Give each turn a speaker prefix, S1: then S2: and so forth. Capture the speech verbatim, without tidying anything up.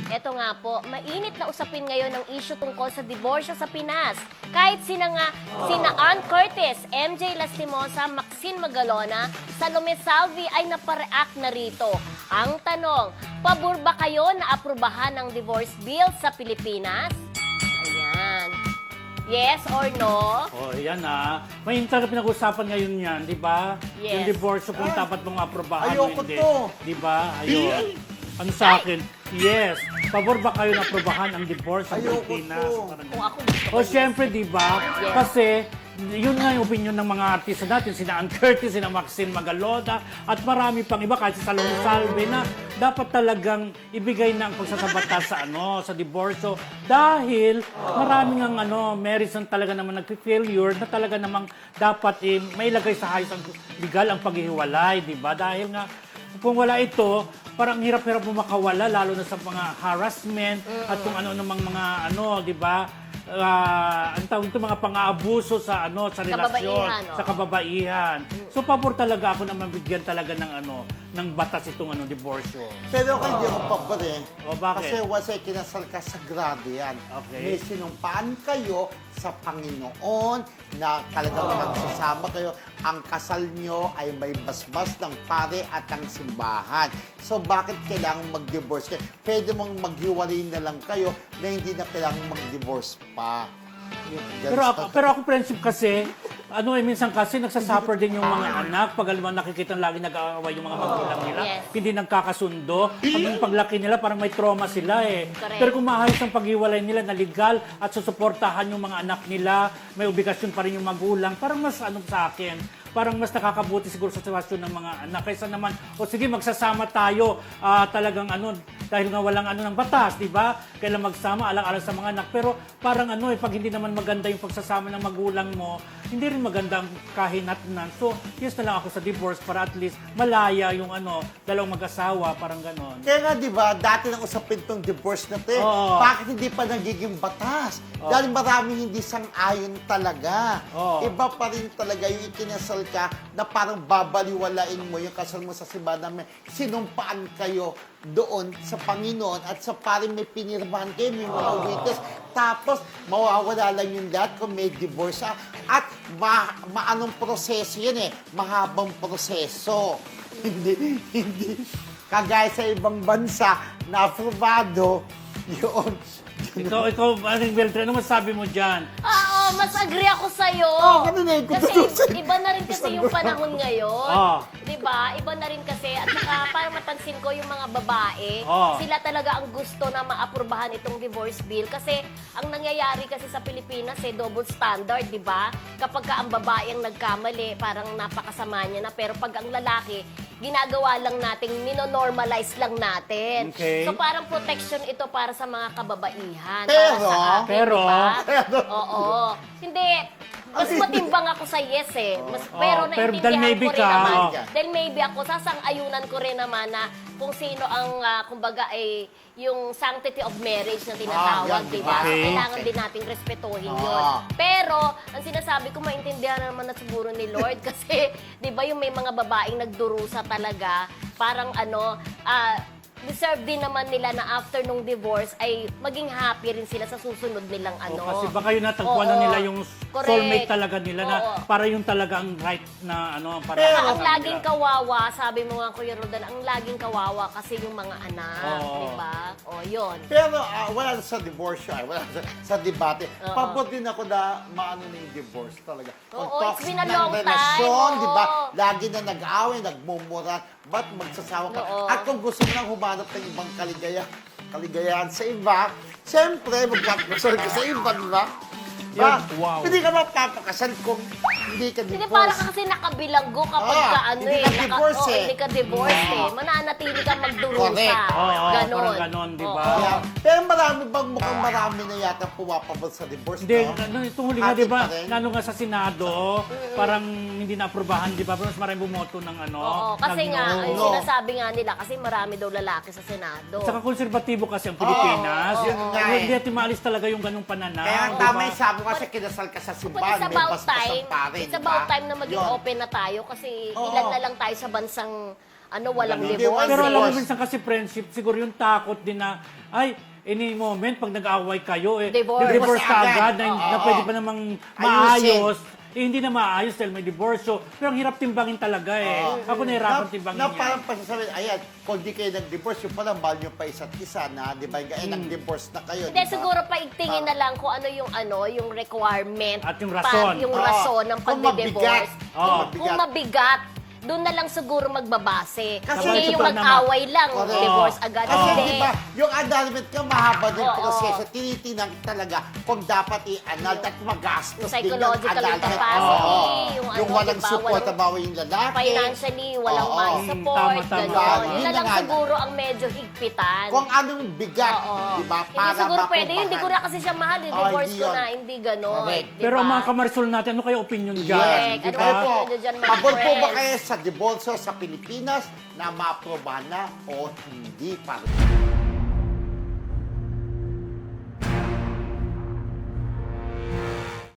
S1: Eto nga po, mainit na usapin ngayon ang issue tungkol sa diborsyo sa Pinas. Kahit sina nga, sina Ann Curtis, M J Lastimosa, Maxine Magalona, Salome Salvi ay napareact na rito. Ang tanong, pabor ba kayo na aprubahan ng divorce bill sa Pilipinas? Ayan. Yes or no?
S2: Oh, yan ah. May talaga pinag-usapan ngayon yan, di ba?
S1: Yes.
S2: Yung divorce kung dapat mong aprobahan o
S3: ayoko
S2: hindi.
S3: to.
S2: Di ba? Ayun. Ano sa akin? Yes. Pabor ba kayo na aprobahan ang divorce sa
S3: Ayoko
S2: Pilipinas?
S3: to.
S2: Parang-
S1: Kung ako gusto ko
S2: O
S1: yun.
S2: syempre, di ba?
S1: Yes.
S2: Kasi yun nga yung opinion ng mga artista natin, sina Ann Curtis, sina Maxine Magalona, at marami pang iba, kahit si Salome Salve, na dapat talagang ibigay na ang pagsasabata sa ano, sa diborsyo. Dahil maraming ang ano, marriage na talaga naman nag-failure, na talaga namang dapat eh, may ilagay sa hayos ang legal ang paghihiwalay, di ba? Dahil nga, kung wala ito, parang hirap-hirap mo makawala, lalo na sa mga harassment at kung ano namang mga ano, di ba? Uh, ang tawag ito, mga pang-aabuso sa ano sa relasyon,
S1: Kababaihan, oh.
S2: sa kababaihan. So pabor talaga ako na mabigyan talaga ng ano ng batas itong ano diborsyo.
S3: Pero ako hindi ako pabor eh.
S2: O, bakit?
S3: Kasi once ay kinasal ka, sagrado yan.
S2: Okay.
S3: May sinumpaan kayo sa Panginoon na talagang magsasama kayo. Ang kasal nyo ay may basbas ng pare at ang simbahan. So bakit kailangan mag-divorce kayo? Pwede mong maghiwalay na lang kayo na hindi na kailangan mag-divorce pa. Ganun
S2: Pero
S3: sa-
S2: ako, pero ako friendship kasi, ano eh, minsan kasi nagsasuffer din yung mga anak pag alam mo, nakikita lagi nag-aaway yung mga magulang nila,
S1: Yes.
S2: hindi nagkakasundo. Pag yung paglaki nila, parang may trauma sila eh.
S1: Correct.
S2: Pero kung maayos ang paghiwalay nila na legal at susuportahan yung mga anak nila, may obligasyon pa rin yung magulang, parang mas ano sa akin, parang mas nakakabuti siguro sa sitwasyon ng mga anak. Kaysa naman, o sige, magsasama tayo, ah, talagang ano, dahil nga walang ano ng batas, di ba? Kailan magsama, alang-alang sa mga anak. Pero parang ano eh, pag hindi naman maganda yung pagsasama ng magulang mo, hindi rin maganda ang kahinatnan. So, yes na lang ako sa divorce para at least malaya yung ano, dalawang mag-asawa, parang ganon.
S3: Kaya nga, di ba, dati nang usapin tong divorce na to eh.
S2: Oo.
S3: Bakit hindi pa nagiging batas?
S2: Oo.
S3: Dahil maraming hindi sang-ayon talaga.
S2: Oo.
S3: Iba pa rin talaga yung ikinasal ka na parang babaliwalain mo yung kasal mo sa simbahan na may sinumpaan kayo doon sa Panginoon at sa parang may pinirmahan kayo, may mga witness. Tapos, mawawala lang yung lahat kung may divorce ka. At ma maanong proseso yan eh. Mahabang proseso. Hindi, hindi. Kagaya sa ibang bansa na aprobado, yun.
S2: Ikaw, ikaw, Aling Beltran, ano masabi mo dyan?
S1: Oo, mas agree ako sa'yo.
S3: Oo, ganun eh. Kung
S1: Kasi
S3: tutusin.
S1: iba na rin kasi yung panahon ngayon.
S2: Oo.
S1: Di ba? Iba na rin kasi. At saka, parang mapansin ko yung mga babae,
S2: Oo.
S1: sila talaga ang gusto na maaprubahan itong divorce bill. Kasi ang nangyayari kasi sa Pilipinas, eh, double standard, di ba? Kapag ka ang babae ang nagkamali, parang napakasama niya na. Pero pag ang lalaki, ginagawa lang natin, ninonormalize lang natin.
S2: Okay.
S1: So parang protection ito para sa mga kababaihan.
S3: Pero-
S1: para sa akin,
S2: pero-
S1: di ba?
S3: Pero-
S1: Oo. Hindi. Mas matimbang ako sa yes eh. Mas,
S2: Oo,
S1: pero
S2: pero
S1: naintindihan
S2: dahil maybe
S1: ko rin
S2: ka,
S1: naman.
S2: oo.
S1: Dahil maybe ako, sasang-ayunan ko rin naman na kung sino ang, ah, kumbaga, ay yung sanctity of marriage na tinatawag,
S3: Ah, yan,
S1: di ba? So,
S2: okay.
S1: kailangan din nating respetuhin
S3: Ah.
S1: yun. Pero, ang sinasabi ko, maintindihan naman na siguro ni Lord kasi, di ba, yung may mga babaeng nagdurusa talaga, parang ano, ah, deserve din naman nila na after nung divorce ay maging happy rin sila sa susunod nilang ano.
S2: O, kasi baka yun natagpuan na
S1: Oo.
S2: nila yung
S1: Correct.
S2: soulmate talaga nila na
S1: Oo.
S2: para yung talaga ang right na ano. Para
S3: Pero-
S1: Ang laging kawawa, sabi mo nga Kuya Roldan, ang laging kawawa kasi yung mga anak,
S2: Oo.
S1: di ba? O, yun.
S3: Pero ah, wala sa divorce, ay, wala sa, sa debate.
S1: Oo.
S3: Pabor din ako na maano na yung divorce talaga.
S1: Oo,
S3: Kung
S1: it's
S3: toxic
S1: been a
S3: ng
S1: long time,
S3: relasyon,
S1: oo.
S3: di ba? Lagi na nag-away, nagmumura, ba't magsasawa ka?
S1: Oo.
S3: At kung gusto mo nang humanap ng ibang kaligaya, kaligayahan sa iba, siyempre, magpapakasal ka sa iba, di ba? Ba?
S2: Yun, wow.
S3: Hindi ka mapapakasal kung hindi ka
S1: Hindi,
S3: divorce.
S1: parang ka kasi nakabilanggo kapag
S3: Ah,
S1: ka ano
S3: hindi
S1: eh.
S3: ka
S1: naka-
S3: divorce
S1: oo,
S3: eh.
S1: Hindi ka divorce eh. Mananatili ka magdurusa.
S3: Correct.
S2: Oo,
S1: ganon.
S2: parang ganon, di ba?
S1: Oo.
S3: Kaya, pero marami bang mukhang marami na yata pumapabot sa divorce,
S2: Hindi,
S3: no?
S2: ano, itong huli nga,
S3: Atin
S2: di ba,
S3: pa rin.
S2: lalo nga sa Senado, parang hindi na-aprobahan, di ba? Pero mas maraming bumoto ng ano.
S1: Oo, kasi
S2: ng
S1: nga,
S2: no.
S1: ang
S3: no.
S1: sinasabi nga nila, kasi marami daw lalaki sa Senado.
S2: Saka konserbatibo kasi ang Pilipinas.
S3: Oo, yun nga eh.
S2: Hindi natin maalis talaga yung ganung pananaw.
S3: Kaya ang
S2: di
S3: tama
S2: ba?
S3: yung sabi ko kasi kinasal ka sa
S1: But
S3: simbahan,
S1: it's
S3: may
S1: about
S3: basbas
S1: time,
S3: ang pare,
S1: it's
S3: di ba?
S1: about time na maging
S3: Yun.
S1: open na tayo kasi
S3: Oo.
S1: ilan na lang tayo sa bansang ano, walang
S3: Hindi,
S1: divorce.
S3: walang
S2: Pero alam mo,
S3: divorce.
S2: minsan kasi friendship, siguro yung takot din na, ay, any moment, pag nag-away kayo, eh,
S1: Divorce.
S2: divorce ka
S3: Agad.
S2: agad, na,
S3: Oo.
S2: na pwede pa namang
S3: Ayusin.
S2: maayos. Eh, hindi na maayos dahil may divorce. So, pero ang hirap timbangin talaga eh. Ako nahirapan timbangin
S3: na, na
S2: yan.
S3: parang pasasabihin, ayan, kung di kayo nag-divorce, yung parang mahal nyo pa isa't isa na, di ba? Eh, nag-divorce na kayo,
S1: Hindi,
S3: di ba?
S1: siguro paigtingin na lang kung ano yung ano, yung requirement.
S2: At yung rason.
S1: Pa, yung
S3: Oo.
S1: rason ng
S3: Kung
S1: pagde-divorce.
S3: mabigat.
S2: Oo.
S1: Kung, kung mabigat, doon na lang siguro magbabase.
S3: Kasi
S1: Hindi yung
S2: totoo
S1: mag-away lang,
S3: Correct.
S1: divorce agad.
S3: Kasi
S1: Hindi.
S3: di ba, yung annulment ka, mahaba din
S1: Oo.
S3: proseso. Tinitinang talaga kung dapat i-annul at magastos din yung
S1: Psychological
S3: annulment.
S1: capacity,
S3: Oo.
S1: yung
S3: Yung
S1: ano,
S3: walang
S1: di ba,
S3: support,
S1: walang-
S3: bawa yung lalaki.
S1: Financially, walang
S3: Oo.
S1: may
S2: Mm,
S1: support,
S2: tama, tama.
S1: gano'n.
S3: Yun
S1: Yun na
S3: na
S1: lang
S3: nga.
S1: siguro ang medyo higpitan.
S3: Kung anong bigat,
S1: Oo.
S3: di ba?
S1: Hindi siguro pwede yun, hindi ko na kasi siya mahal, eh.
S3: Oh,
S1: divorce
S3: hindi
S1: ko
S3: yun.
S1: na, hindi gano'n.
S3: Correct.
S1: di
S2: Pero
S1: ba?
S2: ang mga kamarisol natin, ano kayo opinion dyan?
S1: Correct.
S2: Di
S1: Ano
S2: ba?
S3: Kayo po,
S1: Ano dyan, mga
S3: pabor po ba
S1: friends?
S3: kayo sa divorce sa Pilipinas na maaprobahan na o hindi? Parang